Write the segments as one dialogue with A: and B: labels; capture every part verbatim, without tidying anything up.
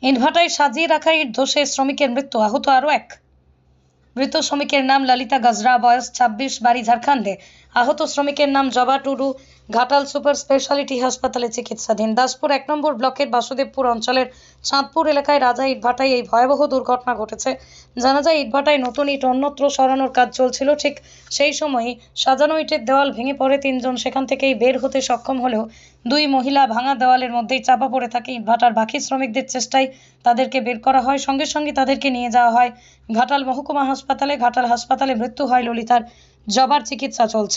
A: ইটভাটায় সাজিয়ে রাখা ইট ধসে শ্রমিকের মৃত্যু, আহত আরও এক। মৃত শ্রমিকের নাম ললিতা গাজরা, বয়স ছাব্বিশ, বাড়ি ঝাড়খণ্ডে। আহত শ্রমিকের নাম জবা টুডু, ঘাটাল সুপার স্পেশালিটি হাসপাতালে চিকিৎসাধীন। দাসপুর এক নম্বর ব্লকের বাসুদেবপুর অঞ্চলের চাঁদপুর এলাকায় রাজা ইটভাটায় এই ভয়াবহ দুর্ঘটনা ঘটেছে। জানা যায়, ইটভাটায় নতুন ইট অন্যত্র সরানোর কাজ চলছিল। ঠিক সেই সময়ই সাজানো ইটের দেওয়াল ভেঙে পড়ে। তিনজন সেখান থেকেই বের হতে সক্ষম হলেও দুই মহিলা ভাঙা দেওয়ালের মধ্যেই চাপা পড়ে থাকে। ইটভাটার বাকি শ্রমিকদের চেষ্টায় তাদেরকে বের করা হয়। সঙ্গে সঙ্গে তাদেরকে নিয়ে যাওয়া হয় ঘাটাল মহকুমা হাসপাতালে। ঘাটাল হাসপাতালে মৃত্যু হয় ললিতার, জবার চিকিৎসা চলছে।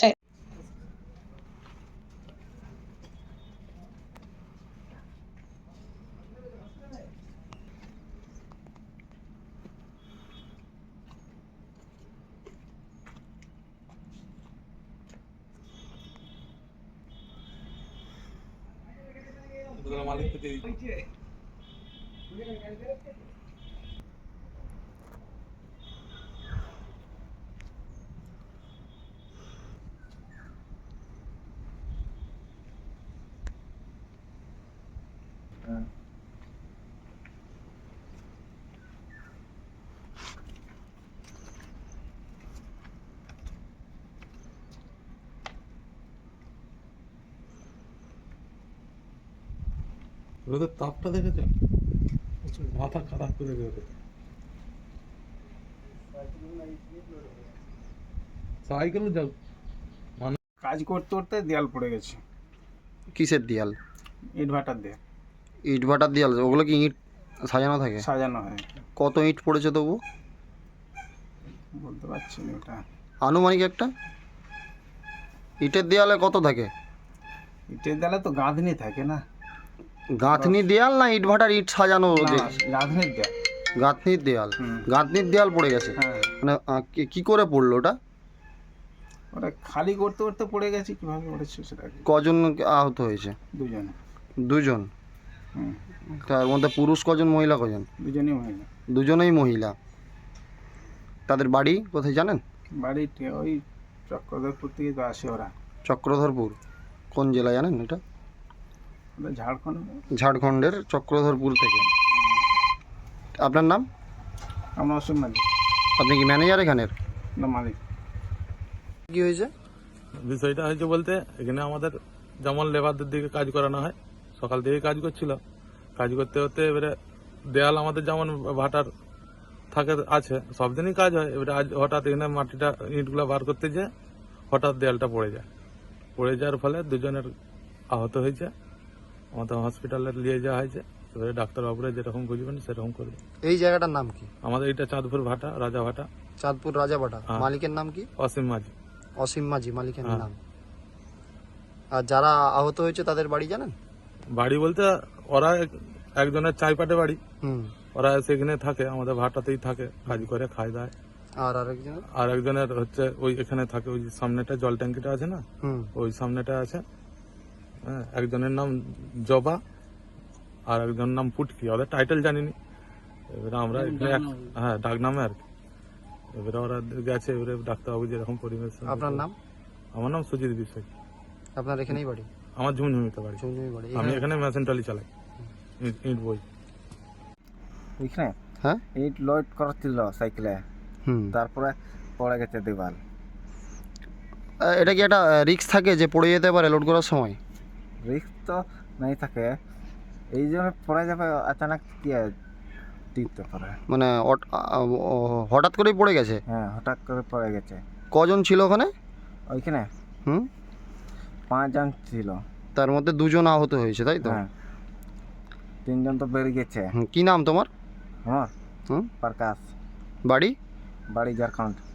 B: রোদের তাপটা দেখেছে, মাথা খারাপ করে দেবে। সাইকেল যাও,
C: কাজ করতে করতে দেয়াল পড়ে গেছে।
D: কিসের দেয়াল?
C: ইট ভাটার দেয়াল,
D: ইট ভাটার দেয়াল? ওগুলো কি ইট সাজানো থাকে?
C: সাজানো হয়।
D: কত ইট পড়েছে তবু
C: বলতে পারছি না ওটা।
D: আনুমানিক একটা ইটের দেয়ালে কত থাকে?
C: ইটের দেয়ালে তো গাঁথনি থাকে না।
D: গাঁথনি দেয়াল না ইট ভাটার ইট সাজানো?
C: না,
D: যে
C: গাঁথনির দেয়াল।
D: গাঁথনির দেয়াল।
C: হুম।
D: গাঁথনির দেয়াল পড়ে গেছে?
C: হ্যাঁ,
D: মানে আহ, কি- কি করে পড়লো ওটা?
C: ওটা খালি করতে করতে পড়ে গেছে। কিভাবে পড়েছে সেটা কি-
D: কজন আহত হয়েছে?
C: দুজনে।
D: দুজন।
C: হুম,
D: তার মধ্যে পুরুষ কজন, মহিলা কজন?
C: দুজনেই মহিলা।
D: দুজনেই মহিলা। তাদের বাড়ি কোথায় জানেন?
C: বাড়ি টে- ওই চক্রধরপুর থেকে তো আসে ওরা।
D: চক্রধরপুর কোন জেলা জানেন এটা?
C: ওটা ঝাড়খণ্ড।
D: ঝাড়খণ্ডের চক্রধরপুর থেকে। আপনার নাম?
C: আমরা অসীম মালিক।
D: আপনি কি ম্যানেজার এখানের?
C: না, মালিক।
D: কি হয়েছে?
B: বিষয়টা হয়েছে বলতে, এখানে আমাদের যেমন লেবারদের দিকে কাজ করানো হয়, সকাল থেকে কাজ করছিল। কাজ করতে করতে এবারে দেয়াল আমাদের যেমন ভাটার থাকে আছে, সব দিনই কাজ হয়। এবারে আজ হঠাৎ এখানে মাটিটা ইটগুলো বার করতে যেয়ে হঠাৎ দেয়ালটা পড়ে যায়। পড়ে যাওয়ার ফলে দুজনের আহত হয়েছে। আমাদের হসপিটালে নিয়ে যাওয়া হয়েছে। এবারে ডাক্তারবাবুরা যেরকম বুঝবেন সেরকম করবে।
D: এই জায়গাটার নাম কি?
B: আমাদের এটা চাঁদপুর ভাটা, রাজা ভাটা।
D: চাঁদপুর রাজাবাটা।
B: হ্যাঁ।
D: মালিকের নাম কি?
B: অসীম মাঝি।
D: অসীম মাঝি মালিকের
B: হ্যাঁ।
D: নাম। আর যারা আহত হয়েছে তাদের বাড়ি জানেন?
B: বাড়ি বলতে ওরা এক- একজনের চাইপাটে বাড়ি।
D: হুম।
B: ওরা সেখানে থাকে, আমাদের ভাটাতেই থাকে, কাজ করে খায় দায়।
D: আর আরেকজন?
B: আর একজনের হচ্ছে ওই এখানে থাকে, ওই সামনেটা জল ট্যাঙ্কিটা আছে না,
D: হুম।
B: ওই সামনেটা আছে। হ্যাঁ, একজনের নাম জবা আর একজনের নাম পুটকি। ওদের টাইটেল জানিনি। এবারে আমরা এখানে এক- হ্যাঁ, ডাক নামে আর কি। এবারে ওরা গেছে, এবারে ডাক্তারবাবু যেরকম পরিবেশ।
D: আপনার নাম?
B: আমার নাম সুজিত বিশ্বাস।
D: আপনার এখানেই বাড়ি?
B: আমার ঝুমঝুমিতে বাড়ি।
D: ঝুমঝুমি বাড়ি।
B: আমি এখানে মেশিন টলি চালাই, ইট- ইট বই।
C: ওইখানে
D: হ্যাঁ।
C: ইট লোড করছিল সাইকেলে,
D: হুম।
C: তারপরে পড়ে গেছে দেওয়াল।
D: আহ, এটা কি একটা রিস্ক থাকে যে পড়ে যেতে পারে লোড করার সময়?
C: রিস্ক তো নাই থাকে, এই জন্য পড়ে যাবে আচানক কি টিপতে পারে।
D: মানে অট- আহ, ও- হঠাৎ করেই পড়ে গেছে?
C: হ্যাঁ, হঠাৎ করে পড়ে গেছে।
D: কজন ছিল ওখানে?
C: ওইখানে
D: হুম।
C: পাঁচজন ছিল।
D: তার মধ্যে দুজন আহত হয়েছে, তাই তো?
C: হ্যাঁ, তিনজন তো বেরিয়ে গেছে।
D: হুম, কি নাম তোমার?
C: আমার
D: হুম।
C: প্রকাশ,
D: বাড়ি?
C: বাড়ি ঝাড়খণ্ড।